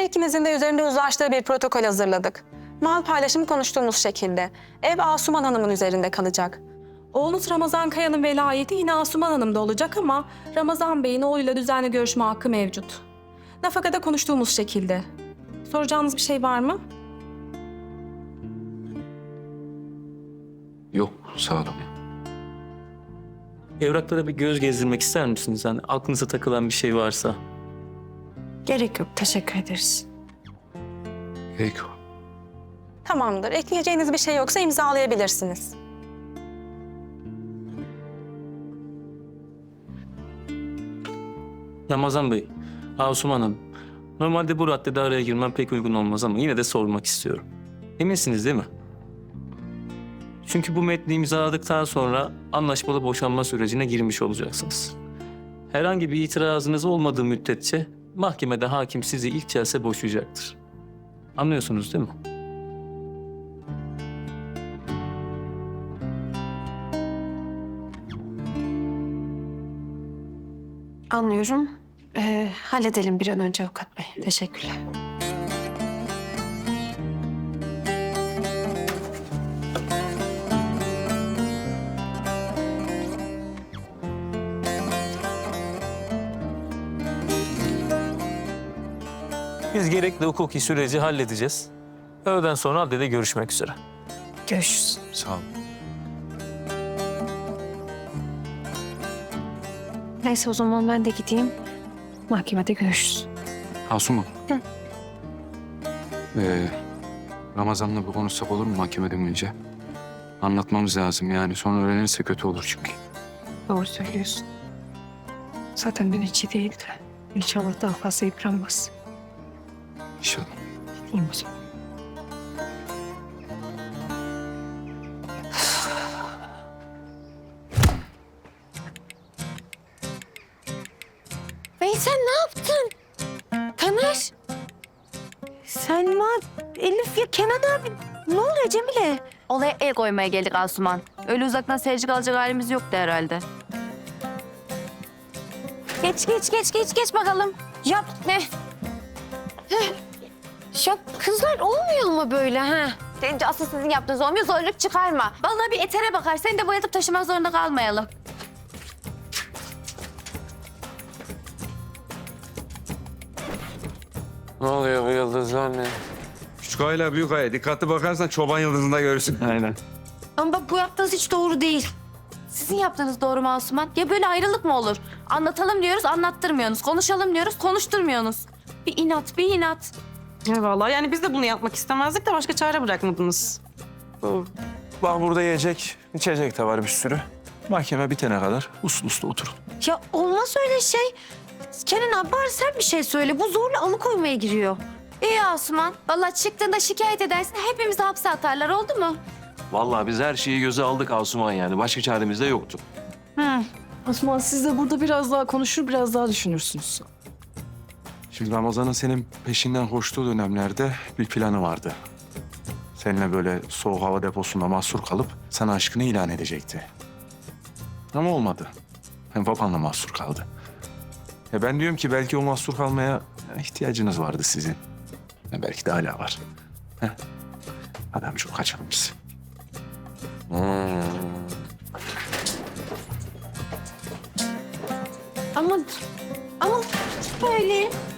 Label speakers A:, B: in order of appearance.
A: Her ikimizin de üzerinde uzlaştığı bir protokol hazırladık. Mal paylaşımı konuştuğumuz şekilde. Ev Asuman Hanım'ın üzerinde kalacak. Oğlunuz Ramazan Kaya'nın velayeti yine Asuman Hanım'da olacak ama Ramazan Bey'in oğluyla düzenli görüşme hakkı mevcut. Nafakada konuştuğumuz şekilde. Soracağınız bir şey var mı?
B: Yok, sağ olun.
C: Evraklara bir göz gezdirmek ister misiniz? Hani aklınıza takılan bir şey varsa.
D: Gerek yok, teşekkür ederiz.
B: Peki.
A: Tamamdır. Ekleyeceğiniz bir şey yoksa imzalayabilirsiniz.
C: Ramazan Bey, Asuman Hanım. Normalde bu raddede araya girmem pek uygun olmaz ama yine de sormak istiyorum. Eminsiniz değil mi? Çünkü bu metni imzaladıktan sonra anlaşmalı boşanma sürecine girmiş olacaksınız. Herhangi bir itirazınız olmadığı müddetçe mahkemede hakim sizi ilk celse boşayacaktır. Anlıyorsunuz değil mi?
D: Anlıyorum. Halledelim bir an önce avukat bey. Teşekkürler.
C: Biz gerekli hukuki süreci halledeceğiz. Öğleden sonra adliyede görüşmek üzere.
D: Görüşürüz.
B: Sağ olun.
D: Neyse o zaman ben de gideyim. Mahkemede görüşürüz.
B: Asuman.
D: Hı.
B: Ramazan'la bir konuşsak olur mu mahkemeden önce? Anlatmamız lazım yani. Sonra öğrenirse kötü olur çünkü.
D: Doğru söylüyorsun. Zaten dün içi değildi. İnşallah daha fazla yıpranmaz.
B: İnşallah.
D: Gideyim o zaman.
E: Veysel ne yaptın? Taner. Selma, Elif ya Kenan abi. Ne oluyor Cemile?
F: Olaya el koymaya geldik Asuman. Öyle uzaktan seyirci kalacak halimiz yoktu herhalde. Geç bakalım.
E: Ya
F: Ne?
E: ya kızlar olmuyor mu böyle ha?
F: Asıl sizin yaptığınız olmuyor, zorluk çıkarma. Vallahi bir etere bakar, seni de boyatıp taşımak zorunda kalmayalım.
B: Ne oluyor bu yıldızlar ne?
G: Küçük ayla büyük aya dikkatli bakarsan çoban yıldızında görürsün.
C: Aynen.
E: Ama bak bu yaptığınız hiç doğru değil.
F: Sizin yaptığınız doğru mu Asuman? Ya böyle ayrılık mı olur? Anlatalım diyoruz, anlattırmıyorsunuz. Konuşalım diyoruz, konuşturmuyorsunuz. Bir inat.
H: Vallahi yani biz de bunu yapmak istemezdik de başka çare bırakmadınız.
I: Bak burada yiyecek, içecek de var bir sürü. Mahkeme bitene kadar uslu uslu oturun.
E: Ya olmaz öyle şey. Kenan abi bari sen bir şey söyle. Bu zorla alıkoymaya giriyor.
F: İyi Asuman. Vallahi çıktığında şikayet edersin, hepimizi hapse atarlar, oldu mu?
J: Vallahi biz her şeyi göze aldık Asuman yani. Başka çaremiz de yoktu.
H: Osman siz de burada biraz daha konuşur, biraz daha düşünürsünüz.
I: Şimdi Ramazan'ın senin peşinden koştuğu dönemlerde bir planı vardı. Seninle böyle soğuk hava deposunda mahsur kalıp sana aşkını ilan edecekti. Ama olmadı. Hem babanla mahsur kaldı. Ben diyorum ki belki o mahsur kalmaya ihtiyacınız vardı sizin. Belki de hala var. Heh. Hadi amca kaçalım biz.
E: Ama böyle